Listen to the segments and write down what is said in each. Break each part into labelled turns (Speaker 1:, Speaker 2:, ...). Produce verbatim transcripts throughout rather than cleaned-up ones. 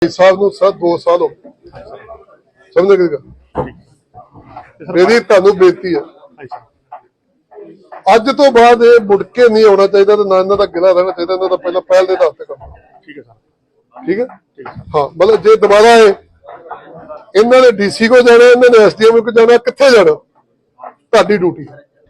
Speaker 1: साहब ਨੂੰ ਸਰ दो साल हो गए समझ गए मेरी ਤੁਹਾਨੂੰ ਬੇਨਤੀ ਹੈ ਅੱਜ ਤੋਂ ਬਾਅਦ ਇਹ ਮੁੜ ਕੇ ਨਹੀਂ ਆਉਣਾ ਚਾਹੀਦਾ ਤੇ ਨਾ ਇਹਨਾਂ ਦਾ ਗਿਲਾ ਰਹਿਣਾ ਚਾਹੀਦਾ ਇਹਨਾਂ ਦਾ ਪਹਿਲਾਂ ਪਹਿਲ ਦੇ ਆਧਾਰ ਤੇ ਕਰਨਾ ਠੀਕ ਹੈ ਸਰ ਠੀਕ ਹੈ ਹਾਂ ਮਤਲਬ ਜੇ ਦੁਬਾਰਾ ਇਹ ਇਹਨਾਂ ਨੇ ਡੀਸੀ ਕੋ ਜਾਣਾ ਇਹਨਾਂ ਨੇ ਐਸਡੀਐਮ ਕੋ ਜਾਣਾ ਕਿੱਥੇ ਜਾਣਾ ਤੁਹਾਡੀ ਡਿਊਟੀ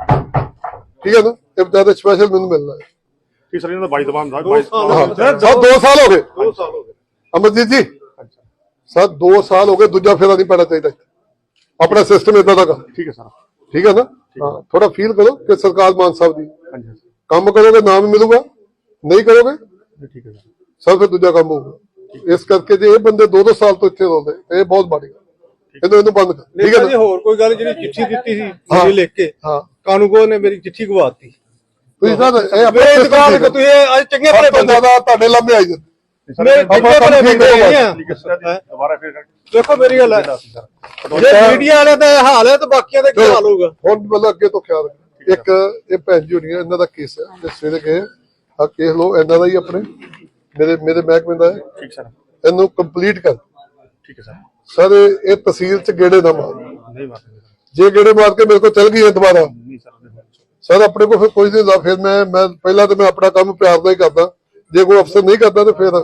Speaker 1: ਠੀਕ ਹੈ ਨਾ ਇਹ ਬਤਾ ਸਪੈਸ਼ਲ ਮੈਨੂੰ ਮਿਲਣਾ ਹੈ
Speaker 2: ਠੀਕ ਸਰ ਇਹਨਾਂ ਦਾ ਬਾਈ ਦਬਾਨ ਦਾ
Speaker 1: ਸਰ ਦੋ ਸਾਲ ਹੋ ਗਏ ਦੋ ਸਾਲ ਹੋ ਗਏ अमरजीत जी सर दो साल हो गए दूजा फेरा नहीं पैना चाहिए अपना सिस्टम इतना का
Speaker 2: ठीक है सर
Speaker 1: ठीक है ना हाँ थोड़ा फील करो कि सरकार मान साहब दी काम करोगे नाम मिलूगा नहीं करोगे
Speaker 2: ठीक है
Speaker 1: सर फिर दूजा काम होगा इस करके जो ये बंदे दो दो साल तो इतने रोते ये बहुत माड़ी गल ਇਹਨੂੰ ਬੰਦ ਕਰ ਠੀਕ ਹੈ ਨਾ
Speaker 3: ਹੋਰ ਕੋਈ ਗੱਲ ਜਿਹੜੀ ਚਿੱਠੀ ਦਿੱਤੀ ਸੀ ਮੇਰੀ ਲਿਖ ਕੇ
Speaker 1: ਹਾਂ
Speaker 3: ਕਾਨੂੰਗੋ ਨੇ ਮੇਰੀ ਚਿੱਠੀ ਗਵਾਤੀ
Speaker 1: ਤੁਸੀਂ ਸਰ ਇਹ ਆਪਣੇ
Speaker 3: ਇੰਤਕਾਲ ਕਰ ਤੁਸੀਂ ਅੱਜ ਚੰਗੇ ਭਲੇ ਬੰਦੇ
Speaker 1: ਦਾ ਤੁਹਾਡੇ ਲੰਮੇ ਆਈ ਜਾਂਦੇ
Speaker 3: ਮੇਰੇ ਚੰਗੇ ਭਲੇ ਬੰਦੇ ਆ
Speaker 2: ਠੀਕ ਹੈ ਸਰ ਦੁਬਾਰਾ ਫਿਰ
Speaker 3: ਦੇਖੋ ਮੇਰੀ ਗੱਲ ਹੈ ਜੇ ਮੀਡੀਆ ਵਾਲੇ ਦਾ ਹਾਲ ਹੈ ਤਾਂ ਬਾਕੀਆਂ ਦਾ ਕੀ ਹਾਲ ਹੋਊਗਾ
Speaker 1: ਹੁਣ ਮਤਲਬ ਅੱਗੇ ਤੋਂ ਖਿਆਲ ਰੱਖਣਾ ਇੱਕ ਇਹ ਭੈਣ ਜੀ ਹੋਣੀ ਇਹਨਾਂ ਦਾ ਕੇਸ ਹੈ ਜੇ ਸਵੇਰੇ ਗਏ ਆ ਕੇਸ ਲੋ ਇਹਨਾਂ ਦਾ ਹੀ ਆਪਣੇ ਮੇਰੇ ਮੇਰੇ ਮਹਿਕਮੇ ਦਾ ਹੈ
Speaker 2: ਠੀਕ ਸਰ
Speaker 1: ਇਹਨੂੰ ਕੰਪਲੀਟ ਕਰ
Speaker 2: ਠੀਕ ਹੈ ਸਰ
Speaker 1: ਸਰ ਇਹ ਤਹਿਸੀਲ ਚ ਗੇੜੇ ਨਾ ਮਾਰ
Speaker 2: ਨਹੀਂ ਮਾਰਦੇ
Speaker 1: ਜੇ ਗੇੜੇ ਮਾਰ ਕੇ ਮੇਰੇ ਕੋਲ ਚਲ ਗਈ ਹੈ ਦੁਬਾਰਾ
Speaker 2: ਨਹੀਂ ਸਰ
Speaker 1: ਸਰ ਆਪਣੇ ਕੋਲ ਫਿਰ ਕੋਈ ਨਹੀਂ ਹੁੰਦਾ ਫਿਰ ਮੈਂ ਮੈਂ ਪਹਿਲਾਂ ਤਾਂ ਮੈਂ ਆਪਣਾ ਕੰਮ ਪਿਆਰ ਨਾਲ ਹੀ ਕਰਦਾ ਜੇ ਕੋਈ ਅਫਸਰ ਨਹੀਂ ਕਰਦਾ ਤੇ ਫਿਰ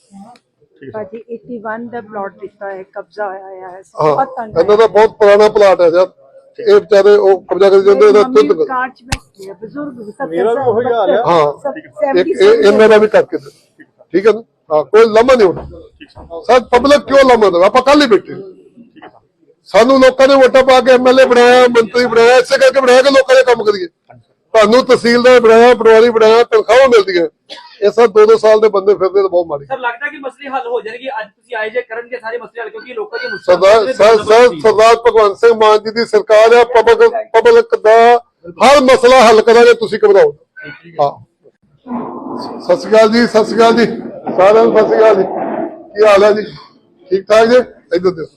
Speaker 4: ਭਾਜੀ ਇਕੱਤੀ ਦਾ ਪਲਾਟ ਦਿੱਤਾ ਹੈ ਕਬਜ਼ਾ ਹੋਇਆ ਹੈ
Speaker 1: ਹਾਂ
Speaker 4: ਬਹੁਤ ਤੰਗ
Speaker 1: ਇਹਨਾਂ ਦਾ ਬਹੁਤ ਪੁਰਾਣਾ ਪਲਾਟ ਹੈ ਯਾਰ ਇਹ ਵਿਚਾਰੇ ਉਹ ਕਬਜ਼ਾ ਕਰੀ ਜਾਂਦੇ ਇਹਦਾ ਤੁੱਤ
Speaker 4: ਕਾਰ ਚ ਬੈਠੇ ਬਜ਼ੁਰਗ
Speaker 3: ਮੇਰਾ ਵੀ ਉਹੀ ਹਾਲ ਹੈ
Speaker 1: ਹਾਂ ਇੱਕ ਇਹਨਾਂ ਦਾ ਵੀ ਕਰਕੇ ਦੇ ਠੀਕ ਹੈ ਨਾ ਹਾਂ ਕੋਈ ਲੰਮਾ ਨਹੀਂ ਹੋਣਾ ਸਰ ਪਬਲਿਕ ਕਿਉਂ ਲੰਮਾ ਦੇ ਆਪਾਂ ਕੱਲ ਹੀ ਬੈਠੇ ਸਾਨੂੰ ਲੋਕਾਂ ਨੇ ਵੋਟਾਂ ਪਾ ਕੇ ਐਮਐਲਏ ਬਣਾਇਆ ਮੰਤਰੀ ਬਣਾਇਆ ਇਸੇ ਕਰਕੇ ਬਣਾਇਆ ਕਿ ਲੋਕਾਂ ਦੇ ਕੰਮ ਕਰੀਏ ਤੁਹਾਨੂੰ ਤਹਿਸੀਲਦਾਰ ਬਣਾਇਆ ਪਟਵਾਰੀ ਬਣਾਇਆ ਤਨਖਾਹਾਂ ਮਿਲਦੀਆਂ ਇਹ ਸਭ ਦੋ ਦੋ ਸਾਲ ਦੇ ਬੰਦੇ ਫਿਰਦੇ ਤਾਂ ਬਹੁਤ ਮਾੜੀ
Speaker 5: ਸਰ ਲੱਗਦਾ ਕਿ ਮਸਲੇ ਹੱਲ ਹੋ ਜਾਣਗੇ ਅੱਜ ਤੁਸੀਂ ਆਏ ਜੇ ਕਰਨਗੇ ਸਾਰੇ ਮਸਲੇ ਹੱਲ ਕਿਉਂਕਿ ਲੋਕਾਂ ਦੀ
Speaker 1: ਸਰਦਾਰ ਸਰ ਸਰਦਾਰ ਭਗਵੰਤ ਸਿੰਘ ਮਾਨ ਜੀ ਦੀ ਸਰਕਾਰ ਹੈ ਪਬਲਿਕ ਪਬਲਿਕ ਦਾ ਹਰ ਮਸਲਾ ਹੱਲ ਕਰਾਂਗੇ ਤੁਸੀਂ ਘਬਰਾਓ ਹਾਂ ਸਤਿ ਸ਼੍ਰੀ ਅਕਾਲ ਜੀ ਸਤਿ ਸ਼੍ਰੀ ਅਕਾਲ ਜੀ ਸਾਰਿਆਂ ਨੂੰ ਸਤਿ ਸ਼੍ਰੀ ਅਕਾਲ ਜੀ ਕੀ ਹਾਲ ਹੈ ਜੀ ਠੀਕ ਠਾਕ ਜੀ ਇੱਧਰ ਦੇਖੋ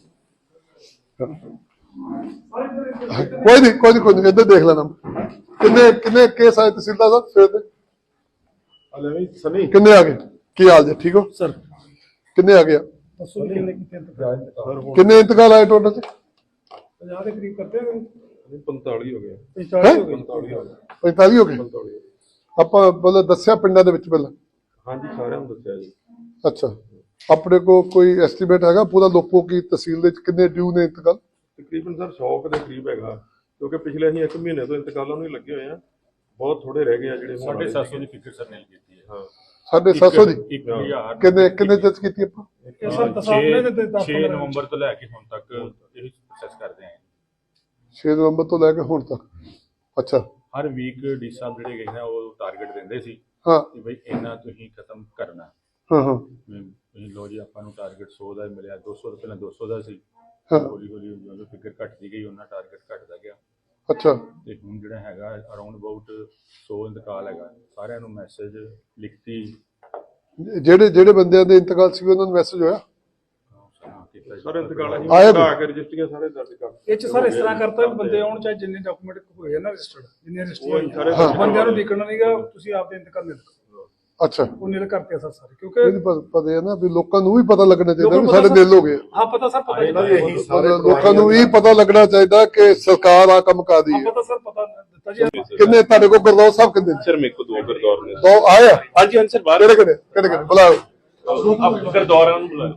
Speaker 1: ਕੋਈ ਨਹੀਂ ਕੋਈ ਨਹੀਂ ਕੋਈ ਨਹੀਂ ਇੱਧਰ ਦੇਖ ਲੈਣਾ ਕਿੰਨੇ ਕਿੰਨੇ ਕੇਸ ਆਏ ਤਹਿਸੀਲਦਾਰ ਸਾਹਿਬ ਸਵੇਰ ਦੇ
Speaker 2: ਹਲੇ ਸਨੀ
Speaker 1: ਕਿੰਨੇ ਆ ਗਏ ਕੀ ਹਾਲ ਜੀ ਠੀਕ ਹੋ
Speaker 2: ਸਰ
Speaker 1: ਕਿੰਨੇ ਆ ਗਏ ਕਿੰਨੇ ਇੰਤਕਾਲ ਆਏ ਟੋਟਲ ਚ
Speaker 3: ਪੰਜਾਹ ਦੇ ਕਰੀਬ ਕਰਦੇ ਨੇ
Speaker 2: ਪੰਤਾਲੀ ਹੋ ਗਏ
Speaker 1: ਪੰਤਾਲੀ ਹੋ ਗਏ ਪੰਤਾਲੀ ਹੋ ਗਏ ਆਪਾਂ ਬੋਲੇ ਦੱਸਿਆ ਪਿੰਡਾਂ ਦੇ ਵਿੱਚ ਪਹਿਲਾਂ
Speaker 2: ਹਾਂਜੀ ਸਾਰਿਆਂ ਨੂੰ ਦੱਸਿਆ ਜੀ
Speaker 1: ਅੱਛਾ ਆਪਣੇ ਕੋ ਕੋਈ ਐਸਟੀਮੇਟ ਹੈਗਾ ਪੂਰਾ ਲੋਕੋ ਕੀ ਤਹਿਸੀਲ ਦੇ ਕਿੰਨੇ ਡਿਊ ਨੇ ਇੰਤਕਾਲ
Speaker 2: ਤਕਰੀਬਨ ਸਰ ਸੌ ਦੇ ਕਰੀਬ ਹੈਗਾ ਕਿਉਂਕਿ ਪਿਛਲੇ ਅਸੀਂ ਇੱਕ ਮਹੀਨੇ ਤੋਂ ਇੰਤਕਾਲਾਂ ਨੂੰ ਹੀ ਲੱਗੇ ਹੋਏ ਆ ਬਹੁਤ ਥੋੜੇ ਰਹਿ ਗਏ ਆ ਜਿਹੜੇ
Speaker 6: ਸਾਢੇ ਸੱਤ ਸੌ ਦੀ ਫਿਕਰ ਸਰ ਨੇ ਕੀਤੀ ਹੈ
Speaker 2: ਹਾਂ
Speaker 1: ਸਾਢੇ ਸੱਤ ਸੌ ਦੀ
Speaker 6: ਇੱਕ ਹਜ਼ਾਰ
Speaker 1: ਕਿੰਨੇ ਕਿੰਨੇ ਜੱਜ ਕੀਤੀ ਆਪਾਂ
Speaker 6: ਛੇ ਨਵੰਬਰ ਤੋਂ ਲੈ ਕੇ ਹੁਣ ਤੱਕ ਇਹ ਪ੍ਰੋਸੈਸ ਕਰਦੇ ਆਂ
Speaker 1: ਛੇ ਨਵੰਬਰ ਤੋਂ ਲੈ ਕੇ ਹੁਣ ਤੱਕ ਅੱਛਾ
Speaker 6: ਹਰ ਵੀਕ ਡੀ ਸਾਹਿਬ ਜਿਹੜੇ ਗਏ ਨੇ ਉਹ ਟਾਰਗੇਟ ਦਿੰਦੇ ਸੀ
Speaker 1: ਹਾਂ
Speaker 6: ਕਿ ਬਈ ਇਹਨਾਂ ਤੁਸੀਂ ਖਤਮ ਕਰਨਾ
Speaker 1: ਹਾਂ ਹਾਂ
Speaker 6: ਤੁਸੀਂ ਲੋ ਜੀ ਆਪਾਂ ਨੂੰ ਟਾਰਗੇਟ ਸੌ ਦਾ ਮਿਲਿਆ ਦੋ ਸੌ ਤੋਂ ਪਹਿਲਾਂ ਦੋ ਸੌ ਦਾ ਸੀ ਹੌਲੀ ਹੌਲੀ ਜਦੋਂ ਫਿਕਰ ਘਟਦੀ ਗਈ ਉਹਨਾਂ ਟਾਰਗੇਟ ਘਟਦਾ ਗਿਆ
Speaker 1: ਅੱਛਾ
Speaker 6: ਤੇ ਹੁਣ ਜਿਹੜਾ ਹੈਗਾ ਅਰਾਊਂਡ ਅਬਾਊਟ ਸੌ ਇੰਤਕਾਲ ਹੈਗਾ ਸਾਰਿਆਂ ਨੂੰ ਮੈਸੇਜ ਲਿਖਤੀ
Speaker 1: ਜਿਹੜੇ ਜਿਹੜੇ ਬੰਦਿਆਂ ਦੇ ਇੰਤਕਾਲ ਸੀ ਉਹਨਾਂ ਨੂੰ ਮੈਸੇਜ ਹੋਇਆ
Speaker 2: ਸਰ ਇੰਤਕਾਲ ਅਸੀਂ
Speaker 1: ਆਇਆ
Speaker 2: ਕਰਾ ਕੇ ਰਜਿਸਟਰੀਆਂ ਸਾਰੇ ਦਰਜ ਕਰ
Speaker 3: ਇਹ ਚ ਸਰ ਇਸ ਤਰ੍ਹਾਂ ਕਰਤਾ ਵੀ ਬੰਦੇ ਆਉਣ ਚਾਹੇ ਜਿੰਨੇ ਡਾਕੂਮੈਂਟ ਹੋਏ ਨਾ ਰਜਿਸਟਰਡ ਜਿੰਨੇ ਰਜਿਸਟਰ ਬੰਦਿਆਂ ਨੂੰ ਲਿਖਣਾ ਨਹੀਂਗਾ ਤੁਸੀਂ ਆਪਦੇ ਇੰਤਕਾਲ ਨਿਲ
Speaker 1: ਅੱਛਾ
Speaker 3: ਉਹ ਨਿਲ ਕਰਤੇ ਸਰ ਸਾਰੇ ਕਿਉਂਕਿ
Speaker 1: ਇਹ ਪਤਾ ਹੈ ਨਾ ਵੀ ਲੋਕਾਂ ਨੂੰ ਵੀ ਪਤਾ ਲੱਗਣਾ ਚਾਹੀਦਾ ਵੀ ਸਾਡੇ ਦਿਲ ਹੋ ਗਏ
Speaker 3: ਹਾਂ ਪਤਾ ਸਰ ਪਤਾ ਇਹੀ
Speaker 1: ਲੋਕਾਂ ਨੂੰ ਵੀ ਪਤਾ ਲੱਗਣਾ ਚਾਹੀਦਾ ਕਿ ਸਰਕਾਰ ਆ ਕੰਮ ਕਰਦੀ ਹੈ
Speaker 3: ਪਤਾ ਸਰ ਪਤਾ ਦਿੱਤਾ ਜੀ
Speaker 1: ਕਿੰਨੇ ਤੁਹਾਡੇ ਕੋਲ ਗੁਰਦੌਰ ਸਾਹਿਬ ਕਿੰਨੇ
Speaker 2: ਸਰ ਮੇਰੇ ਕੋਲ ਦੋ ਗਰਦੌਰ ਨੇ
Speaker 1: ਦੋ ਆਇਆ
Speaker 2: ਹਾਂਜੀ ਹਾਂਜੀ ਸਰ ਬਾਹਰ
Speaker 1: ਕਿਹੜੇ ਕਿਹੜੇ ਕਿਹੜੇ ਕਿਹੜੇ ਬੁਲਾਓ
Speaker 2: ਆਪ ਗਰਦੌਰਾਂ ਨੂੰ ਬੁਲਾਓ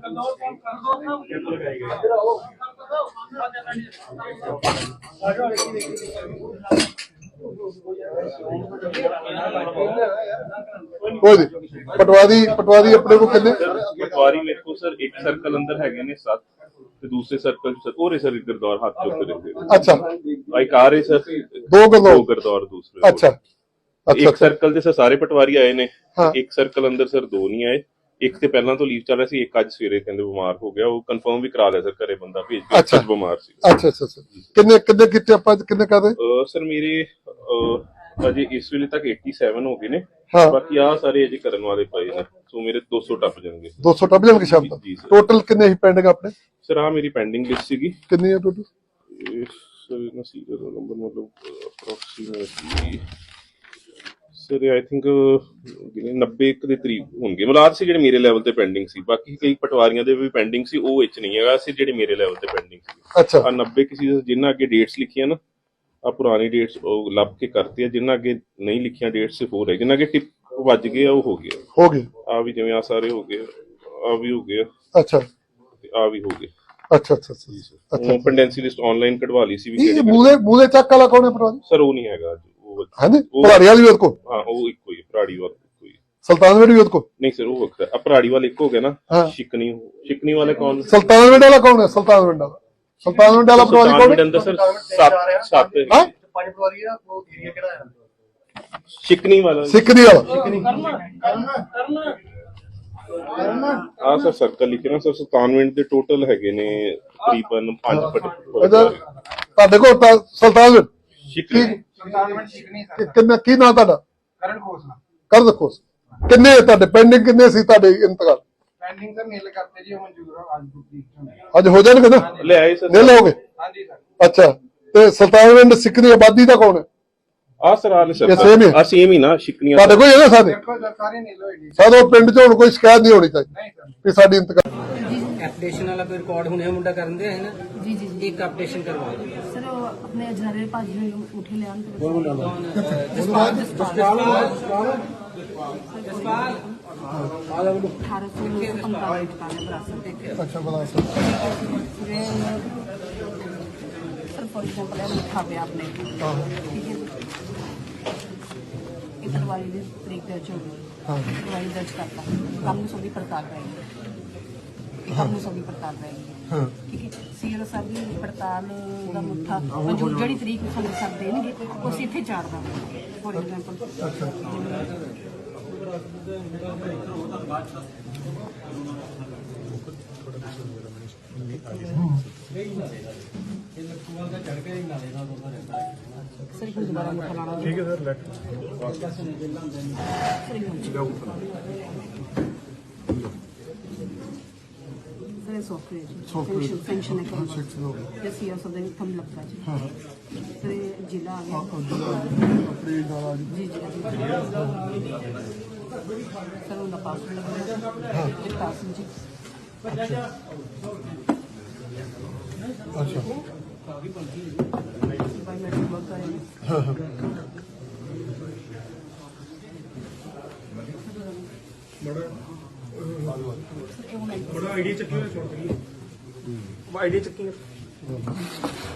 Speaker 2: ਕੋਈ ਨਹੀਂ ਪਟਵਾਰੀ ਪਟਵਾਰੀ ਆਪਣੇ ਕੋਲ ਕਿੰਨੇ
Speaker 7: ਪਟਵਾਰੀ ਮੇਰੇ ਕੋਲ ਸਰ ਇੱਕ ਸਰਕਲ ਅੰਦਰ ਹੈਗੇ ਨੇ ਸੱਤ ਤੇ ਦੂਸਰੇ ਸਰਕਲ ਚ ਹੋਰ ਸਰ ਗਰਦੌਰ ਹੱਥ ਚੁੱਕ ਰਹੇ ਨੇ
Speaker 1: ਅੱਛਾ
Speaker 7: ਇੱਕ ਆ ਰਹੇ ਸਰ
Speaker 1: ਦੋ ਗਰਦੌਰ
Speaker 7: ਦੋ ਗਰਦੌਰ ਦੂਸਰੇ
Speaker 1: ਅੱਛਾ
Speaker 7: ਇੱਕ ਸਰਕਲ ਦੇ ਸਰ ਸਾਰੇ ਪਟਵਾਰੀ ਆਏ ਨੇ ਇੱਕ ਸਰਕਲ ਅੰਦਰ ਸਰ ਦੋ ਨਹੀਂ ਆਏ ਇੱਕ ਤੇ ਪਹਿਲਾਂ ਤੋਂ ਲੀਵ ਚੱਲ ਰਿਹਾ ਸੀ ਇੱਕ ਅੱਜ ਸਵੇਰੇ ਕਹਿੰਦੇ ਬਿਮਾਰ ਹੋ ਗਿਆ ਉਹ ਕਨਫਰਮ ਵੀ ਕਰਾ ਲਿਆ ਸਰ ਘਰੇ ਬੰਦਾ ਭੇਜ ਕੇ ਅੱਜ ਬਿਮਾਰ ਸੀ
Speaker 1: ਅੱਛਾ ਅੱਛਾ ਕਿੰਨੇ ਕਿੰਨੇ ਕੀਤੇ ਆਪਾਂ ਕਿੰਨੇ ਕਰਦੇ
Speaker 7: ਸਰ ਮੇਰੇ ਅਜੇ ਇਸ ਵੇਲੇ ਤੱਕ ਸੱਤਾਸੀ ਹੋ ਗਏ ਨੇ
Speaker 1: ਹਾਂ
Speaker 7: ਬਾਕੀ ਆ ਸਾਰੇ ਅਜੇ ਕਰਨ ਵਾਲੇ ਪਏ ਨੇ ਸੋ ਮੇਰੇ ਦੋ ਸੌ ਟੱਪ ਜਾਣਗੇ
Speaker 1: ਦੋ ਸੌ ਟੱਪ ਜਾਣਗੇ ਸ਼ਾਮ ਤੱਕ ਟੋਟਲ ਕਿੰਨੇ ਹੀ ਪੈਂਡਿੰਗ ਆਪਣੇ
Speaker 7: ਸਰ ਆ ਮੇਰੀ ਪੈਂਡਿੰਗ ਲਿਸਟ ਸੀਗੀ
Speaker 1: ਕਿੰਨੀ ਹੈ ਟੋਟਲ
Speaker 7: ਸਰ ਨਾ ਸੀਰੀਅਲ ਨੰਬਰ ਮਤਲਬ ਅਪਰੋਕਸੀਮੇਟਲੀ ਸਰ ਆਈ ਥਿੰਕ ਨੱਬੇ ਕੁ ਦੇ ਕਰੀਬ ਹੋਣਗੇ ਮਲਾਦ ਸੀ ਜਿਹੜੇ ਮੇਰੇ ਲੈਵਲ ਤੇ ਪੈਂਡਿੰਗ ਸੀ। ਬਾਕੀ ਕਈ ਪਟਵਾਰੀਆਂ ਦੇ ਵੀ ਪੈਂਡਿੰਗ ਸੀ, ਉਹ ਵਿੱਚ ਨਹੀਂ ਹੈਗਾ ਸੀ ਜਿਹੜੇ ਮੇਰੇ ਲੈਵਲ ਤੇ ਪੈਂਡਿੰਗ ਸੀ।
Speaker 1: ਅੱਛਾ
Speaker 7: ਆ ਨੱਬੇ ਕਿਸੇ ਜਿੰਨਾ ਅੱਗੇ ਡੇਟਸ ਲਿਖੀਆਂ ਨਾ, ਆ ਪੁਰਾਣੀ ਡੇਟਸ ਉਹ ਲੱਭ ਕੇ ਕਰਤੀ ਆ, ਜਿੰਨਾ ਅੱਗੇ ਨਹੀਂ ਲਿਖੀਆਂ ਡੇਟਸ ਸਿਰਫ ਹੋਰ ਹੈ, ਜਿੰਨਾ ਅੱਗੇ ਟਿਪ ਵੱਜ ਗਏ ਆ ਉਹ ਹੋ ਗਿਆ।
Speaker 1: ਹੋ ਗਏ।
Speaker 7: ਆ ਵੀ ਜਿਵੇਂ ਆ ਸਾਰੇ ਹੋ ਗਏ, ਆ ਵੀ ਹੋ ਗਏ,
Speaker 1: ਅੱਛਾ
Speaker 7: ਆ ਵੀ ਹੋ ਗਏ।
Speaker 1: ਅੱਛਾ ਅੱਛਾ ਅੱਛਾ
Speaker 7: ਉਹ ਪੈਂਡੈਂਸੀ ਲਿਸਟ ਆਨਲਾਈਨ ਕਢਵਾ ਲਈ ਸੀ ਵੀ
Speaker 1: ਇਹ ਮੂਲੇ ਮੂਲੇ ਚੱਕ ਵਾਲਾ ਕੌਣ ਹੈ ਪਟਵਾਰੀ?
Speaker 7: ਸਰ ਉਹ ਨਹੀਂ ਹੈਗਾ ਉਹ।
Speaker 1: ਹਾਂਜੀ ਪਟਵਾਰੀ ਵਾਲੀ ਵੀ ਉਹਦੇ ਕੋਲ?
Speaker 7: ਹਾਂ ਉਹ ਇੱਕੋ ਹੀ ਪਰਾੜੀ ਵਾਲਾ ਇੱਕੋ ਹੀ।
Speaker 1: ਸੁਲਤਾਨਵਿੰਡ ਵੀ ਉਹਦੇ ਕੋਲ?
Speaker 7: ਨਹੀਂ ਸਰ ਉਹ ਵੱਖਰਾ ਆ, ਪਰਾੜੀ ਵਾਲਾ ਇੱਕ ਹੋ ਗਿਆ ਨਾ। ਸ਼ਿਕਨੀ ਸ਼ਿਕਨੀ ਵਾਲੇ ਕੌਣ?
Speaker 1: ਸੁਲਤਾਨਵਿੰਡ ਵਾਲਾ ਕੌਣ ਹੈ? ਸੁਲਤਾਨਵਿੰਡ ਵਾਲਾ ਸੁਲਤਾਨਵਿੰਡ ਵਾਲਾ ਪਟਵਾਰੀ ਕੌਣ ਹੈ?
Speaker 7: ਅੰਦਰ ਸਰ ਸੱਤ ਸੱਤ
Speaker 1: ਹਾਂ
Speaker 5: ਪੰਜ ਪਟਵਾਰੀ ਆ, ਉਹ ਏਰੀਆ ਕਿਹੜਾ ਹੈ?
Speaker 7: ਸ਼ਿਕਨੀ ਵਾਲਾ
Speaker 1: ਸਿੱਕਰੀ ਵਾਲਾ
Speaker 7: ਆ ਸਰ ਸਰਕਲ ਲਿਖੇ ਨਾ ਸਰ। ਸੁਲਤਾਨਵਿੰਡ ਦੇ ਟੋਟਲ ਹੈਗੇ ਨੇ ਤਕਰੀਬਨ ਪੰਜ
Speaker 1: ਅੱਛਾ ਤੁਹਾਡੇ ਕੋਲ ਤਾਂ ਸੁਲਤਾਨਵਿੰਡ
Speaker 7: ਸ਼ਿਕਨੀ
Speaker 1: ਕਿ- ਕਿੰਨਾ ਕੀ ਨਾਂ ਤੁਹਾਡਾ?
Speaker 3: ਕਰਨ ਖੋਸਲਾ
Speaker 1: ਕਰ ਦੇਖੋ ਕਿੰਨੇ ਤੁਹਾਡੇ ਪੈਂਡਿੰਗ ਕਿੰਨੇ ਸੀ ਤੁਹਾਡੇ ਇੰਤਕਾਲ?
Speaker 3: ਪੈਂਡਿੰਗ ਤਾਂ ਮੇਲ ਕਰਤੇ ਜੀ, ਉਹ ਮਨਜ਼ੂਰ ਆ ਅੱਜ ਦੀ।
Speaker 1: ਅੱਜ ਹੋ ਜਾਣਗੇ ਨਾ?
Speaker 7: ਲੈ ਆਏ ਸਰ।
Speaker 1: ਨਹੀਂ ਲਓਗੇ?
Speaker 3: ਹਾਂਜੀ ਸਰ।
Speaker 1: ਅੱਛਾ ਤੇ ਸੁਲਤਾਨਵਿੰਡ ਸਿੱਖ ਦੀ ਆਬਾਦੀ ਦਾ ਕੌਣ ਹੈ?
Speaker 7: ਆ ਸਰ ਆ ਸਰ
Speaker 1: ਇਹ same ਹੀ ਹੈ?
Speaker 7: ਆ ਸੇਮ ਹੀ ਨਾ ਸ਼ਿਕਨੀਆਂ
Speaker 1: ਤੁਹਾਡੇ ਕੋਲ ਹੈਗਾ ਸਾਡੇ?
Speaker 3: ਦੇਖੋ ਸਰ ਸਾਰੇ ਨੀਲ ਹੋਏਗੀ।
Speaker 1: ਸਾਡੇ ਪਿੰਡ 'ਚ ਹੁਣ ਕੋਈ ਸ਼ਿਕਾਇਤ ਨਹੀਂ ਹੋਣੀ ਚਾਹੀਦੀ
Speaker 3: ਨਹੀਂ ਸਰ।
Speaker 1: ਕਿ ਸਾਡੀ ਇੰਤਕਾਲ
Speaker 8: ਐਪਲੀਕੇਸ਼ਨ ਵਾਲਾ ਕੋਈ ਰਿਕਾਰਡ ਹੁਣੇ ਮੁੰਡਾ ਕਰਨ ਦੇ ਹੈ ਨਾ
Speaker 9: ਜੀ ਜੀ ਜੀ
Speaker 8: ਇੱਕ ਐਪਲੀਕੇਸ਼ਨ ਕਰਵਾਓ
Speaker 9: ਸਰ ਉਹ ਆਪਣੇ ਅਜਨਾਰੇ ਭਾਜੀ ਨੂੰ ਉਠੇ ਲਿਆਉਣ
Speaker 8: ਜਸਪਾਲ ਜਸਪਾਲ
Speaker 9: ਅਠਾਰਾਂ ਸੌ ਪੰਤਾਲੀ ਟਿਕਾਣੇ ਬਰਾਸਰ ਦੇ
Speaker 1: ਅੱਛਾ ਬਲਾ
Speaker 9: ਸਰ ਫॉर एग्जांपल ਇਹ ਲਿਖਾ ਪਿਆ ਆਪਣੇ ਠੀਕ ਹੈ ਇਹ ਕਰਵਾਈ ਦੀ ਤਰੀਕ ਦਰਜ ਹੋ ਗਈ ਹਾਂ ਕਰਵਾਈ ਦਰਜ ਕਰਤਾ ਕੰਮ ਨੂੰ ਸਭੀ ਪੜਤਾਲ ਰਹੇਗੀ ਕੰਮ ਨੂੰ ਸਭੀ ਪੜਤਾਲ ਰਹੇਗੀ ਹਾਂ ਠੀਕ ਹੈ ਸੀਆਰ ਸਾਹਿਬ ਦੀ ਪੜਤਾਲ ਦਾ ਮੁੱਠਾ ਮਨਜ਼ੂਰ ਜਿਹੜੀ ਤਰੀਕ ਨੂੰ ਸਾਨੂੰ ਸਭ ਦੇਣਗੇ ਉਹ ਅਸੀਂ ਇੱਥੇ ਚਾੜ ਦਾਂਗੇ ਫॉर एग्जांपल ਅੱਛਾ सर एक दोबारा मुठा लाना ठीक है sir late sir software software function है क्या यस यस सब दिन कम लगता है हां सर जिला आ गया अपने दादा जी जी सर उनका पासवर्ड लगा हां पासवर्ड जी अच्छा अच्छा बायोमेट्रिक वर्क करेंगे
Speaker 3: बड़ा आईडी चक्की छोड़ आईडी चक्की